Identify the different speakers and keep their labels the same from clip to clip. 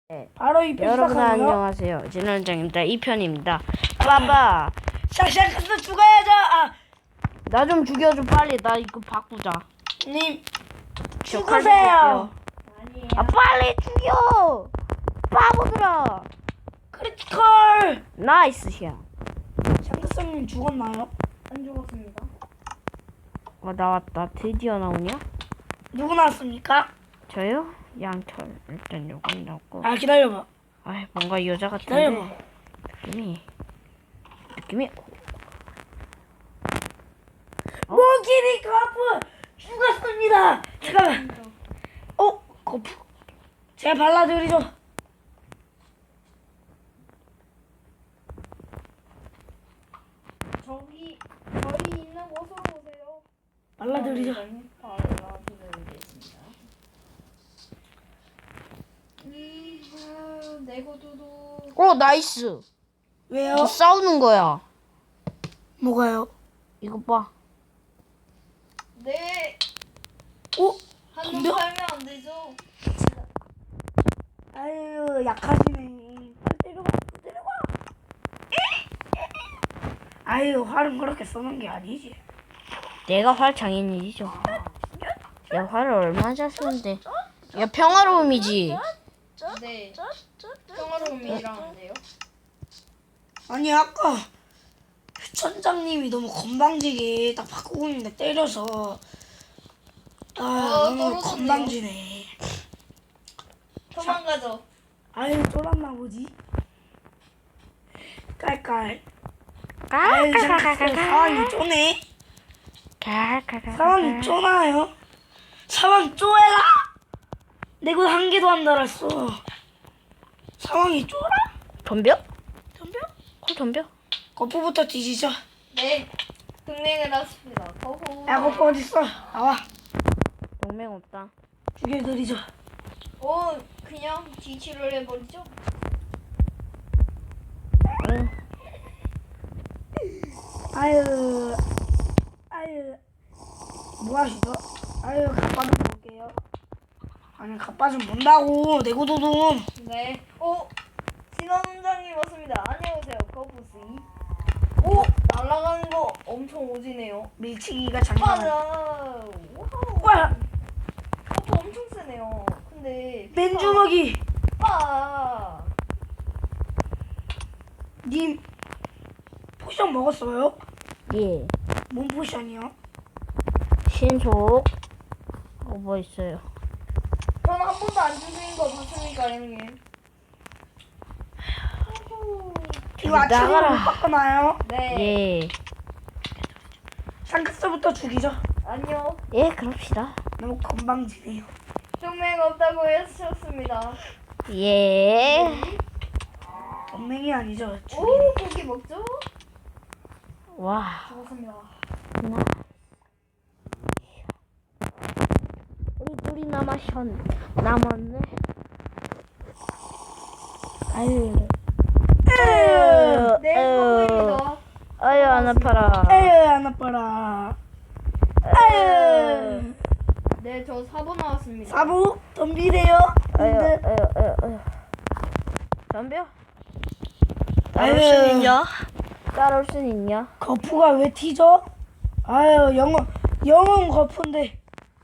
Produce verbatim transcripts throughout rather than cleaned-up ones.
Speaker 1: 네.
Speaker 2: 바로 이 편
Speaker 1: 여러분
Speaker 2: 시작하고요.
Speaker 1: 안녕하세요. 진원장입니다. 이 편입니다. 봐봐.
Speaker 2: 샥샥해서 죽어야죠. 아,
Speaker 1: 나 좀 죽여줘 빨리. 나 이거 바꾸자.
Speaker 2: 님
Speaker 1: 저 칼
Speaker 2: 죽으세요.
Speaker 1: 아 빨리 죽여. 바보들아.
Speaker 2: 크리티컬.
Speaker 1: 나이스 샷.
Speaker 2: 샹크성님 죽었나요?
Speaker 3: 안 죽었습니다.
Speaker 1: 어 나왔다. 드디어 나오냐?
Speaker 2: 누구 나왔습니까?
Speaker 1: 저요? 양털. 일단 요건 나왔고.
Speaker 2: 아 기다려봐.
Speaker 1: 아 뭔가 여자
Speaker 2: 기다려봐.
Speaker 1: 같은데. 느낌이. 느낌이. 어?
Speaker 2: 모기리 거프 죽었습니다. 잠깐만. 어 거프. 제가 발라드리죠.
Speaker 3: 저기 저희 있는 곳으로 오세요.
Speaker 2: 발라드리죠.
Speaker 3: 발라드리겠습니다. 음, 내고두두.
Speaker 1: 어 나이스.
Speaker 2: 왜요?
Speaker 1: 저 싸우는 거야.
Speaker 2: 뭐가요?
Speaker 1: 이거 봐.
Speaker 3: 네.
Speaker 2: 어?
Speaker 3: 한번
Speaker 2: 덤벼?
Speaker 3: 팔면 안 되죠?
Speaker 2: 아유 약하시네. 빨리 때려봐. 때려봐. 아유 활은 그렇게 써놓은 게 아니지.
Speaker 1: 내가 활 장인이죠. 야 활을 얼마나 잘 쓰는데. 야 평화로움이지.
Speaker 3: 네. 평화로움이라는데요.
Speaker 2: 아니 아까 천장님이 너무 건방지게 딱 바꾸고 있는데 때려서 아
Speaker 3: 어,
Speaker 2: 너무
Speaker 3: 떨어졌네요.
Speaker 2: 건방지네.
Speaker 3: 도망가죠.
Speaker 2: 아유 쫄았나 보지. 깔깔. 아유 참 상황이 쪼네. 상황이 쪼나요? 상황 쪼해라. 내가 한 개도 안 달았어. 상황이 쪼라?
Speaker 1: 덤벼?
Speaker 2: 덤벼?
Speaker 1: 콜 덤벼?
Speaker 2: 거푸부터 뒤지죠.
Speaker 3: 네. 동맹을 하십니다. 허호.
Speaker 2: 야 거푸 어딨어? 나와.
Speaker 1: 동맹 없다.
Speaker 2: 죽여드리죠.
Speaker 3: 오, 그냥 뒤치를 해버리죠.
Speaker 1: 응.
Speaker 2: 아유, 아유, 뭐 하시죠? 아유, 갑바 좀 볼게요. 아니, 갑바 좀 본다고, 내고도돔.
Speaker 3: 네. 오, 진원장님 왔습니다. 안녕하세요, 거부씨. 오, 날아가는 거 엄청 오지네요.
Speaker 2: 밀치기가 장난 아니야.
Speaker 3: 맞아. 와우.
Speaker 2: 와,
Speaker 3: 것도 엄청 세네요. 근데
Speaker 2: 맨주먹이.
Speaker 3: 빠.
Speaker 2: 님, 포션 먹었어요?
Speaker 1: 예.
Speaker 2: 뭔 포션이요?
Speaker 1: 신속. 어, 뭐 있어요?
Speaker 3: 저는 한 번도 안 주신 거 봤습니까, 형님?
Speaker 2: 이거 아침에
Speaker 1: 나가라.
Speaker 2: 못 바꿔놔요?
Speaker 3: 네.
Speaker 1: 예.
Speaker 2: 상크스부터 죽이죠.
Speaker 3: 아니요.
Speaker 1: 예, 그럽시다.
Speaker 2: 너무 건방지네요.
Speaker 3: 동맹 없다고 하셨습니다.
Speaker 1: 예.
Speaker 2: 동맹이 아니죠. 죽이네.
Speaker 3: 오, 고기 먹죠?
Speaker 1: 와.
Speaker 3: 죽었습니다.
Speaker 1: 나. 우리 둘이 남았션. 남았네.
Speaker 2: 아유,
Speaker 3: 네, 고기입니다.
Speaker 1: 아유, 안 아파라.
Speaker 2: 아유, 안 아파라. 아유.
Speaker 3: 네, 저 사 번 나왔습니다.
Speaker 2: 사부 덤비래요.
Speaker 1: 아유,
Speaker 2: 근데
Speaker 1: 아유, 아유, 아유. 덤벼.
Speaker 2: 아유.
Speaker 1: 따라올 순 있냐? 따라올 순 있냐?
Speaker 2: 거푸가 왜 튀죠? 아유 영어 영어 거푸인데.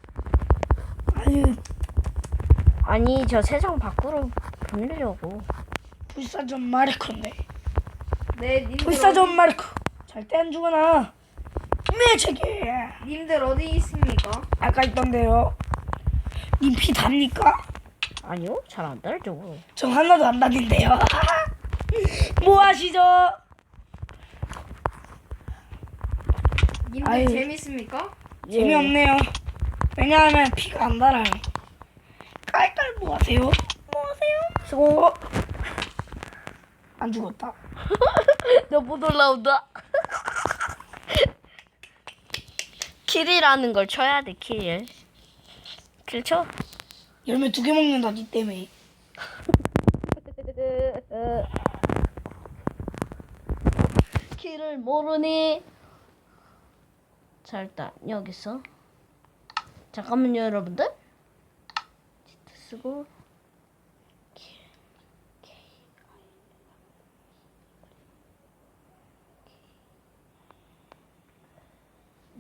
Speaker 2: 아유
Speaker 1: 아니, 저 세상 밖으로 보내려고.
Speaker 2: 불사전 마르코인데.
Speaker 3: 네, 님들
Speaker 2: 불사전 마르코. 절대 안 죽어나. 매체게.
Speaker 3: 어디, 님들 어디 있습니까?
Speaker 2: 아까 있던데요. 님 피 답니까?
Speaker 1: 아니요, 잘 안 달죠.
Speaker 2: 전 하나도 안 답인데요. 뭐 하시죠?
Speaker 3: 님들
Speaker 2: 아유.
Speaker 3: 재밌습니까?
Speaker 1: 예.
Speaker 2: 재미없네요. 왜냐하면 피가 안 달아요. 깔깔 뭐 하세요? 뭐 하세요?
Speaker 1: 수고.
Speaker 2: 안 죽었다.
Speaker 1: 너 못 올라온다. 킬이라는 걸 쳐야 돼, 킬. 킬 쳐?
Speaker 2: 열매 두 개 먹는다 니 때문에.
Speaker 1: 킬을 모르니? 자, 일단 여기서 잠깐만요, 여러분들. 치트 쓰고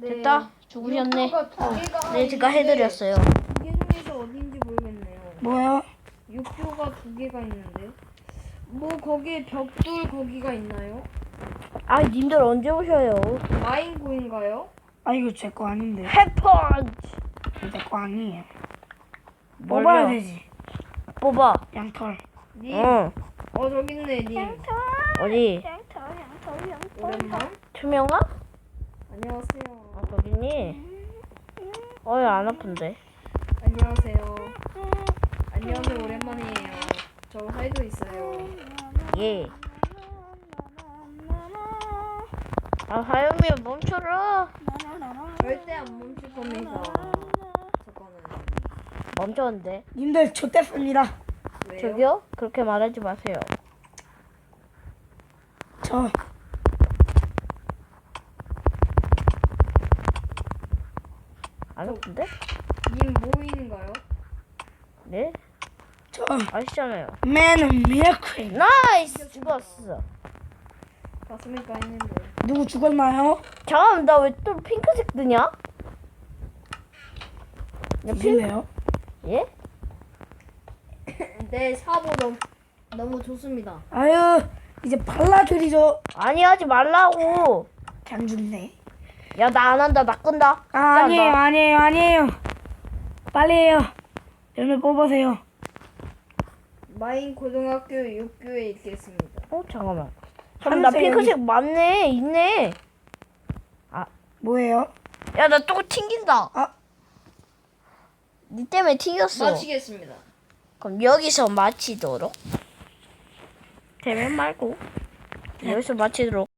Speaker 1: 됐다. 죽으셨네.
Speaker 3: 육교가 두 개가
Speaker 1: 네, 제가
Speaker 3: 있는데
Speaker 1: 해드렸어요.
Speaker 3: 두개 중에서 어딘지 모르겠네요.
Speaker 2: 뭐야?
Speaker 3: 육교가 두 개가 있는데 뭐 거기에 벽돌 거기가 있나요?
Speaker 1: 아, 님들 언제 오셔요?
Speaker 3: 마인고인가요?
Speaker 2: 아 이거 제 거 아닌데.
Speaker 1: 해펀치.
Speaker 2: 내 거 아니에요.
Speaker 1: 뭘요?
Speaker 2: 뽑아야 되지.
Speaker 1: 뽑아.
Speaker 2: 양털.
Speaker 3: 님,
Speaker 1: 응.
Speaker 3: 어 저기 있네 님.
Speaker 1: 어디?
Speaker 3: 오랜만.
Speaker 1: 투명아?
Speaker 3: 안녕하세요.
Speaker 1: 아, 거기니? 어이, 안 아픈데.
Speaker 3: 안녕하세요. 안녕하세요. 오랜만이에요. 저 하이도 있어요.
Speaker 1: 예. 아, 하영이 멈춰라.
Speaker 3: 절대 안 멈출 겁니다. 저거는
Speaker 1: 멈췄는데.
Speaker 2: 님들 좋댔습니다.
Speaker 3: 왜요?
Speaker 1: 저기요? 그렇게 말하지 마세요.
Speaker 2: 저
Speaker 1: 안 아픈데?
Speaker 3: 님 모인가요?
Speaker 1: 네?
Speaker 2: 저
Speaker 1: 아시잖아요.
Speaker 2: 맨은 미라클.
Speaker 1: 나이스! 죽었어.
Speaker 3: 봤습니까 했는데.
Speaker 2: 누구 죽었나요?
Speaker 1: 잠깐만, 나 왜 또 핑크색 뜨냐? 야, 핑...
Speaker 2: 죽일래요?
Speaker 1: 예?
Speaker 3: 네 사보 너무 너무 좋습니다.
Speaker 2: 아유 이제 발라드리죠.
Speaker 1: 아니, 하지 말라고.
Speaker 2: 안 죽네.
Speaker 1: 야, 나 안 한다. 나 끈다.
Speaker 2: 아, 아니에요,
Speaker 1: 나-
Speaker 2: 아니에요, 아니에요. 빨리 해요. 열매 뽑으세요.
Speaker 3: 마인 고등학교 육 교에 있겠습니다.
Speaker 1: 어, 잠깐만. 잠깐만, 나
Speaker 2: 하늘색
Speaker 1: 핑크색 맞네. 있네.
Speaker 2: 뭐예요?
Speaker 1: 야, 나 또 튕긴다.
Speaker 2: 아.
Speaker 1: 니 때문에 튕겼어.
Speaker 3: 마치겠습니다.
Speaker 1: 그럼 여기서 마치도록. 대면 말고. 여기서 마치도록.